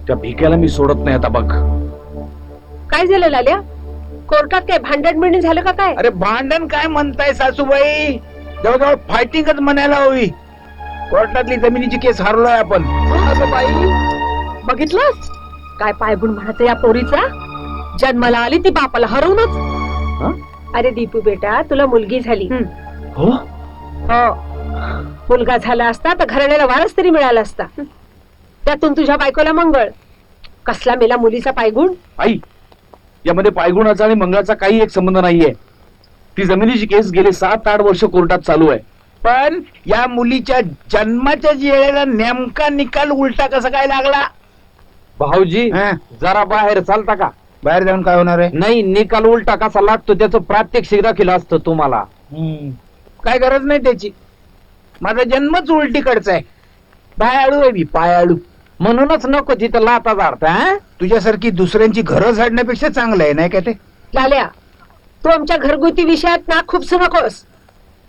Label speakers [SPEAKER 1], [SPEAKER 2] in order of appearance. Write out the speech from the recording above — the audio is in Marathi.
[SPEAKER 1] त्या भिक्याला मी सोडत नाही आता बघ.
[SPEAKER 2] काय झालं लाल्या? कोर्टात काय भांडण बिंडण झालं का काय?
[SPEAKER 3] अरे भांडण काय म्हणताय सासूबाई, जवळजवळ फायटिंगच म्हणायला हवी. कोर्टातली जमिनीची केस हारलोय आपण.
[SPEAKER 2] अगं बाई, बघितलंस काय पायगुण म्हणत या पोरीचा? जन्माला आली ती बापाला हरवूनच. अरे दीपू बेटा, तुला मुलगी झाली.
[SPEAKER 1] हो
[SPEAKER 2] हो, मुलगा झाला असता तर घराण्याला वारस तरी मिळाला असता. त्यातून तुझ्या बायकोला मंगळ. कसला मेला मुलीचा पायगुण?
[SPEAKER 1] आई, यामध्ये पायगुणाचा आणि मंगळाचा काही एक संबंध नाहीये. ती जमिनीची केस गेले 7-8 वर्ष कोर्टात चालू आहे.
[SPEAKER 3] पण या मुलीच्या जन्माच्या वेळेला नेमका निकाल उलटा कसा काय लागला?
[SPEAKER 4] भाऊजी जरा बाहेर चालता का?
[SPEAKER 3] बाहेर जाऊन काय होणार आहे?
[SPEAKER 4] नाही, निकाल उलटा कसा लागतो त्याचं प्रात्यक्षिक दाखल असतं तुम्हाला.
[SPEAKER 3] काय गरज नाही त्याची. माझा जन्मच उलटीकडचा आहे. पायाळू आहे मी, पायाळू.
[SPEAKER 4] म्हणूनच नको तिथं लाता झाडता.
[SPEAKER 3] तुझ्यासारखी दुसऱ्यांची घरं झाडण्यापेक्षा चांगलं आहे, नाही का ते?
[SPEAKER 2] लाल्या, तू आमच्या घरगुती विषयात ना खूप नकोस.